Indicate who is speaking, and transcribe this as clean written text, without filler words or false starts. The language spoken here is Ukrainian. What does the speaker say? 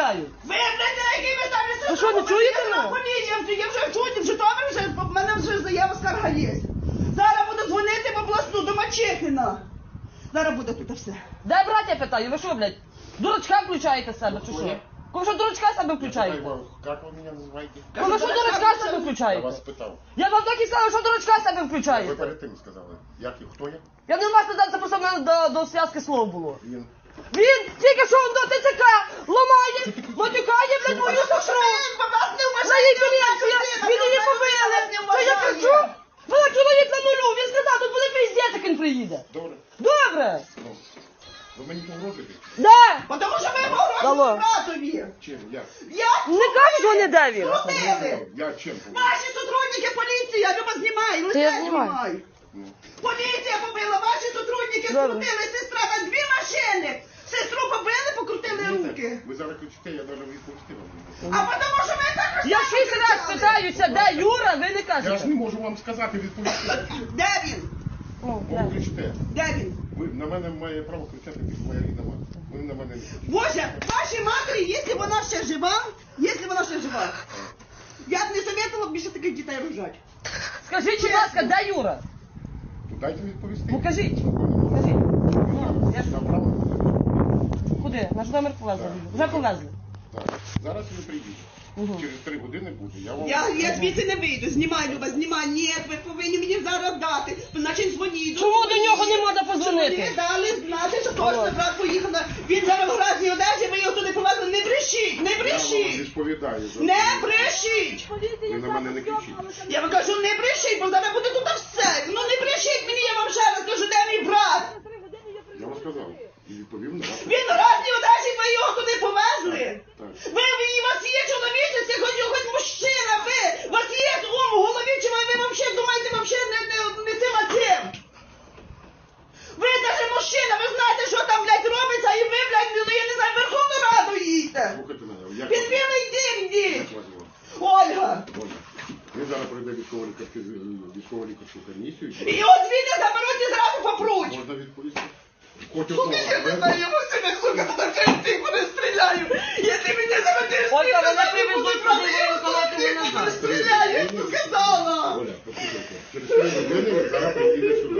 Speaker 1: питаю.
Speaker 2: Ви, блядь, на якій ви ставлю
Speaker 1: Ви що, не чуєте мене?
Speaker 2: Я вже чую, в Житомирі вже, в мене вже заява скарга є. Зараз буду дзвонити в обласну до Мачехіна. Зараз буде тут все.
Speaker 1: Де браття питаю? Ви що, блядь? Дурачка включаєте себе, чи що? Кому що дурачка себе включаєте?
Speaker 3: Как вы меня называете?
Speaker 1: Кому що дурачка себе
Speaker 3: Я
Speaker 1: включаєте?
Speaker 3: вас питав.
Speaker 1: Я вам так і сказав, що дурачка себе
Speaker 3: Ви
Speaker 1: включаєте.
Speaker 3: перед тим сказали. Як і хто я?
Speaker 1: Я не вас не це просто в мене до зв'язки слов було.
Speaker 3: Він.
Speaker 1: Він тільки що до ТЦК ламає, матюкає, блядь, мою сестру. На її поліція, він її побили. Що я кричу? Вона чоловік на нулю, він сказав, тут буде пиздець, як він приїде.
Speaker 3: Добре.
Speaker 1: Добре.
Speaker 3: Ну, ви мені погрожуєте?
Speaker 1: Да.
Speaker 2: Тому що ви
Speaker 1: Алло.
Speaker 2: погрожуєте братові.
Speaker 3: Чим? Як?
Speaker 2: Як?
Speaker 1: Не кажуть вони, де він.
Speaker 2: Крутили.
Speaker 3: Я чим погрожую?
Speaker 2: Ваші сотрудники поліції, Люба, знімай,
Speaker 1: Та
Speaker 2: лице
Speaker 1: я знімаю.
Speaker 2: знімай.
Speaker 3: Ну,
Speaker 2: Поліція побила, ваші сотрудники
Speaker 1: Добре.
Speaker 2: скрутили сестра на 2 машини. Сестру побили, покрутили руки.
Speaker 3: ви зараз кричите, я навіть відповісти вам не можу.
Speaker 2: А тому що ви також
Speaker 1: Я 6 раз питаюся, де Юра, ви не
Speaker 3: Я ж
Speaker 1: кажете.
Speaker 3: не можу вам сказати, відповісти.
Speaker 2: Де він?
Speaker 1: Ну,
Speaker 3: Бо ви кричите.
Speaker 2: Де він?
Speaker 3: Ви на мене має право кричати під моя рідна мати. Ви на мене не кричите.
Speaker 2: Боже, вашій матері, якщо вона ще жива, я б не советувала більше таких дітей рожати.
Speaker 1: Скажіть, будь ласка, де Юра?
Speaker 3: То дайте відповісти.
Speaker 1: Ну кажіть.
Speaker 3: Законно.
Speaker 1: Кажіть. Ну, я ж...
Speaker 3: Я право.
Speaker 1: Куди? Наш номер повезли. Вже повезли.
Speaker 3: Так. Зараз ви прийдете.
Speaker 1: Мгм.
Speaker 3: Через 3 години буде. Я вам...
Speaker 2: Я звідси не вийду. Знімай, Люба, знімай. Ні, ви повинні мені зараз дати. Значить, дзвоніть.
Speaker 1: Чому до нього не можна позвонити?
Speaker 2: Мені дали знати, що точно брат поїхав. Він зараз в гразній одежі, ви його туди повезли. Не брешіть, не
Speaker 3: Я вам
Speaker 2: брешіть.
Speaker 3: відповідаю. за
Speaker 2: Не
Speaker 3: це.
Speaker 2: брешіть.
Speaker 3: Ви на мене не кричіть.
Speaker 2: Я вам кажу, не брешіть, бо зараз буде тут все. Ну не брешіть мені, я вам ще раз кажу, де мій брат?
Speaker 3: Я вам сказав. І відповів на ваше.
Speaker 2: Він в гразній одежі, ви його туди повезли.
Speaker 3: Так.
Speaker 2: Ви, у вас є чоловічець, хоч мужчина, ви, у вас є ум в голові, чи ви взагалі думаєте, не цим, а цим? Ви навіть мужчина, ви знаєте, що там, блядь, робиться, і ви, блядь, ну, я не знаю, Верховну Раду їдьте.
Speaker 3: Слухайте мене. Як
Speaker 2: Під
Speaker 3: вас-
Speaker 2: білий дім йдіть.
Speaker 3: Як вас звати?
Speaker 2: Ольга.
Speaker 3: Оля. Ми зараз пройдемо військово-лікарську комісію.
Speaker 2: І от звідти заберуть і зразу попруть.
Speaker 3: Можна відповісти? Хоч
Speaker 2: Сука,
Speaker 3: одного.
Speaker 2: я не знаю, я мусив, сука, тут всіх перестріляю. Якщо мене заведеш,
Speaker 1: Ольга, мене привезуть туди, воєнкомати мене
Speaker 2: перестріляю, я ж сказала.
Speaker 3: Оля, послухайте. Через 3 години ви зараз приїдете сюди.